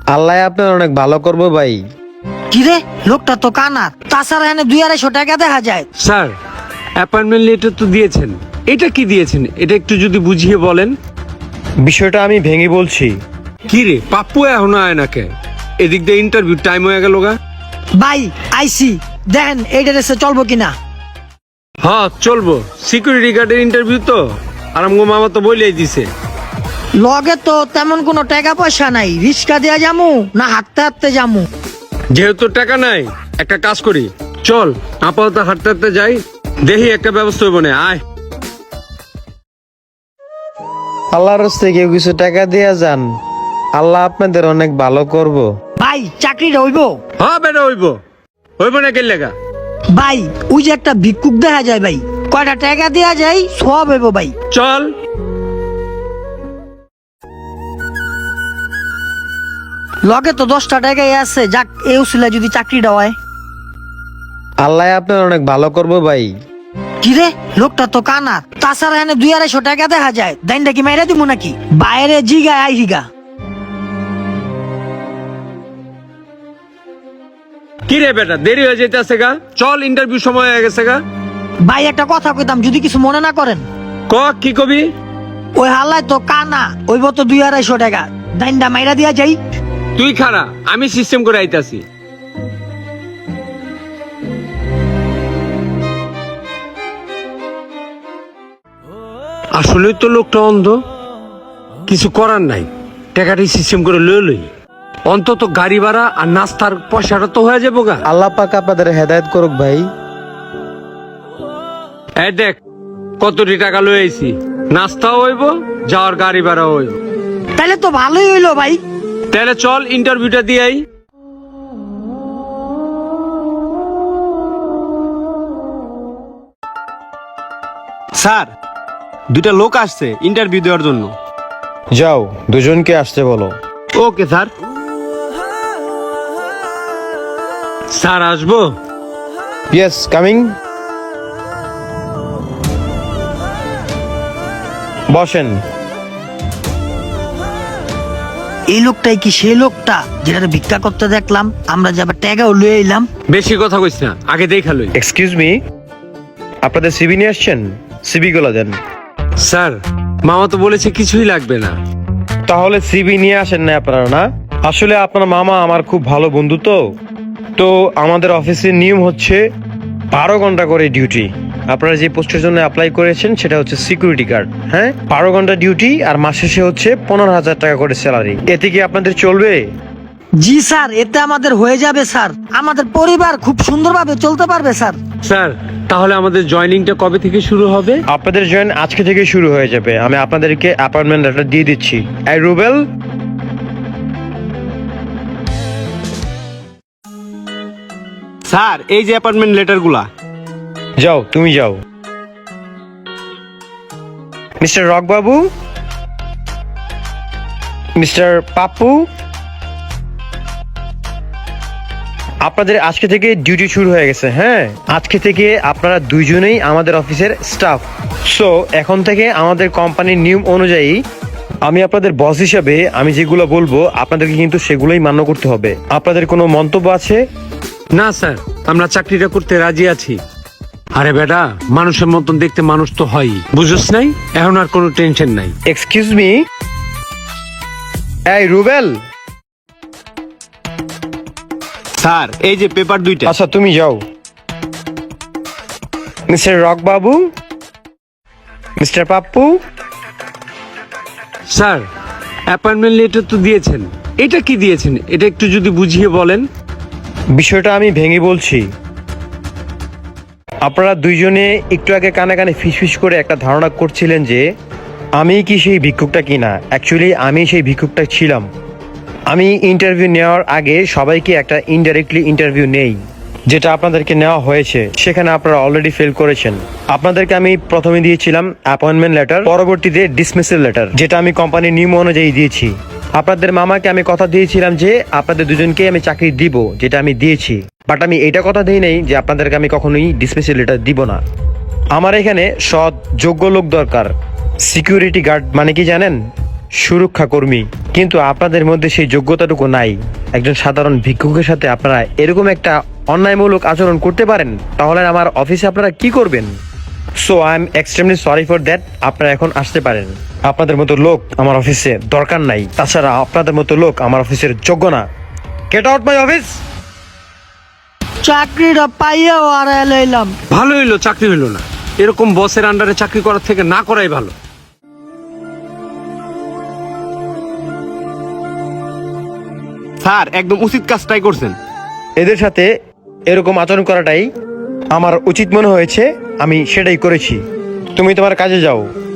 আল্লাহ আপনার অনেক ভালো করবো ভাই। কিরে লোকটা তো কানা, তাছাড়া এখানে 200-250 টাকা দেখা যায়। স্যার, অ্যাপয়েন্টমেন্ট লেটার তো দিয়েছেন, এটা কি দিয়েছেন? এটা একটু যদি বুঝিয়ে বলেন। বিষয়টা আমি ভেঙে বলছি। কি রে পাপ্পু এখনো আয় নাকে? এদিক দিয়ে ইন্টারভিউ টাইম হয়ে গেল গা। ভাই আইসি, দেখেন এই ড্রেসে চলবো কিনা। হ্যাঁ চলবো, সিকিউরিটি গার্ডের ইন্টারভিউ তো। আর আমগো মামা তো বলেই দিছে। লগে তো তেমন কোনো টাকা পয়সা নাই, রিক্সা দিয়া যামু না হাঁটতে হাঁটতে যামু? যেহেতু টাকা নাই, একটা কাজ করি, চল আপাতত হাঁটতে হাঁটতে যাই, দেখি একটা ব্যবস্থা হইব না। আয়। আল্লাহর রাস্তায় কেউ কিছু টাকা দিয়ে যান, আল্লাহ আপনাদের অনেক ভালো করব। ভাই চাকরিটা হইব? হ্যাঁ বেটা হইব, হইব না কেন লেগা? ভাই ওই যে একটা ভিক্ষুক দেখা যায় ভাই, কয়টা টাকা দেয়া যায় সব হইব ভাই। চল। লগে তো 10টা টাকাই আছে, যাক এই উসিলা যদি চাকরিটা হয়। আল্লাহ আপনার অনেক ভালো করব ভাই। কিরে লোকটা তো কানা, তাছাড়া এখানে 200-250 টাকা দেখা যায়। দাইনটা কি মাইরা দিব নাকি? বাইরে জিগা আই হিগা। কি রে বেটা, দেরি হয়ে যেতেছে গা, চল ইন্টারভিউ সময় হয়ে গেছে গা। ভাই একটা কথা কইতাম, যদি কিছু মনে না করেন। ক কি কবি? ওই হালায় তো কানা, ওইব তো 200-250 টাকা, দাইনটা মাইরা দিয়া যাই। তুই খারা, আমি সিস্টেম করে আইতাছি। আসলে তো লোকটা অন্ধ, কিছু করার নাই, টাকাটি সিস্টেম করে লই লই। অন্তত গাড়ি ভাড়া আর নাস্তার পয়সাটা তো হয়ে যাবো গা। আল্লাহ পাক আপনাদের হেদায়েত করুক ভাই। এই দেখ কতটি টাকা লই আইছি, নাস্তাও হইব, যাওয়ার গাড়ি ভাড়াও হইব। তাহলে তো ভালোই হইলো ভাই। তাহলে চল ইন্টারভিউটা দিয়ে আই। স্যার, দুইটা লোক আসছে ইন্টারভিউ দেওয়ার জন্য। যাও দুজনকে আসতে বলো। Okay sir. স্যার আসবো? Yes coming. বসেন। এই লোকটাই কি সেই লোকটা যেটা ভিক্ষা করতে দেখলাম আমরা, যে আবার টাকাও লয়ে এলাম? বেশি কথা কইস না, আগে দেখা লই। এক্সকিউজ মি, আপনাদের সিবি নিয়ে আসছেন? সিবি গুলো দেন। স্যার, মামা তো বলেছে কিছুই লাগবে না। তাহলে সিবি নিয়ে আসেন না আপনারা? না, আসলে আপনার মামা আমার খুব ভালো বন্ধু, তো আমাদের অফিসের নিয়ম হচ্ছে 12 ঘন্টা করে ডিউটি। আপনারা যে পোস্টের জন্য অ্যাপ্লাই করেছেন সেটা হচ্ছে সিকিউরিটি গার্ড। হ্যাঁ, 12 ঘন্টা ডিউটি আর মাস শেষে হচ্ছে 15,000 টাকা করে স্যালারি। এতে কি আপনাদের চলবে? জি স্যার, এতে আমাদের হয়ে যাবে স্যার, আমাদের পরিবার খুব সুন্দরভাবে চলতে পারবে স্যার। স্যার, তাহলে আমাদের জয়েনিংটা কবে থেকে শুরু হবে? আপনাদের জয়েন আজকে থেকে শুরু হয়ে যাবে। আমি আপনাদেরকে অ্যাপয়েন্টমেন্ট লেটার দিয়ে দিচ্ছি। এই রুবেল, স্যার, এই যে অ্যাপয়েন্টমেন্ট লেটারগুলা। যাও তুমি যাও। মিস্টার রকবাবু, মিস্টার পাপ্পু, আপনাদের আজকে থেকে ডিউটি শুরু হয়ে গেছে। হ্যাঁ, আজকে থেকে আপনারা দুইজনেই আমাদের অফিসের স্টাফ। সো এখন থেকে আমাদের কোম্পানির নিয়ম অনুযায়ী আমি আপনাদের বস হিসাবে আমি যেগুলো বলবো আপনাদেরকে কিন্তু সেগুলোই মান্য করতে হবে। আপনাদের কোনো মন্তব্য আছে? না স্যার, আমরা চাকরিটা করতে রাজি আছি। আরে বেটা, মানুষের মতন দেখতে মানুষ তো হয়ই, বুঝছ নাই? এখন আর কোনো টেনশন নাই। এক্সকিউজ মি, এই রুবেল। স্যার, এই যে পেপার দুইটা। আচ্ছা তুমি যাও। মিস্টার রকবাবু, mister Pappu, sir, appointment letter তো দিয়েছেন, এটা কি দিয়েছেন? এটা একটু যদি বুঝিয়ে বলেন। বিষয়টা আমি ভেঙে বলছি। আপনারা দুইজনে একটু আগে কানে কানে ফিসফিস করে একটা ধারণা করছিলেন যে আমি কি সেই ভিক্ষুকটা কিনা। অ্যাকচুয়ালি আমি সেই ভিক্ষুকটা ছিলাম। আমি ইন্টারভিউ নেওয়ার আগে সবাইকে একটা ইনডাইরেক্টলি ইন্টারভিউ নেই, যেটা আপনাদেরকে নেওয়া হয়েছে। সেখানে আপনারা অলরেডি ফেল করেছেন। আপনাদেরকে আমি প্রথমে দিয়েছিলাম অ্যাপয়েন্টমেন্ট লেটার, পরবর্তীতে ডিসমিসাল লেটার, যেটা আমি কোম্পানির নিয়ম অনুযায়ী দিয়েছি। আপনাদের মামাকে আমি কথা দিয়েছিলাম যে আপনাদের দুজনকে আমি চাকরি দিব, যেটা আমি দিয়েছি। বাট আমি এটা কথা দিই নাই যে আপনাদেরকে আমি কখনোই ডিসমিসাল লেটার দিব না। আমার এখানে সৎ যোগ্য লোক দরকার। সিকিউরিটি গার্ড মানে কি জানেন? সুরক্ষা কর্মী, কিন্তু আপনাদের মধ্যে সেই যোগ্যতাটুকু নাই। একজন সাধারণ ভিক্ষুকের সাথে আপনারা এরকম একটা অন্যায়মূলক আচরণ করতে পারেন, তাহলে আমার অফিসে আপনারা কি করবেন? So I am extremely sorry for that. আপনারা এখন আসতে পারেন। আপনাদের মতো লোক আমার অফিসে দরকার নাই। তাছাড়া আপনাদের মতো লোক আমার অফিসের যোগ্য না। Get out my office. চাকরিটা পাইয়াও আর লইলাম। ভালো হইলো চাকরি হইলো না, এরকম বসের আন্ডারে চাকরি করার থেকে না করাই ভালো। স্যার একদম উচিত কাজটাই করছেন। এদের সাথে এরকম আচরণ করাটাই আমার উচিত মনে হয়েছে, আমি সেটাই করেছি। তুমি তোমার কাজে যাও।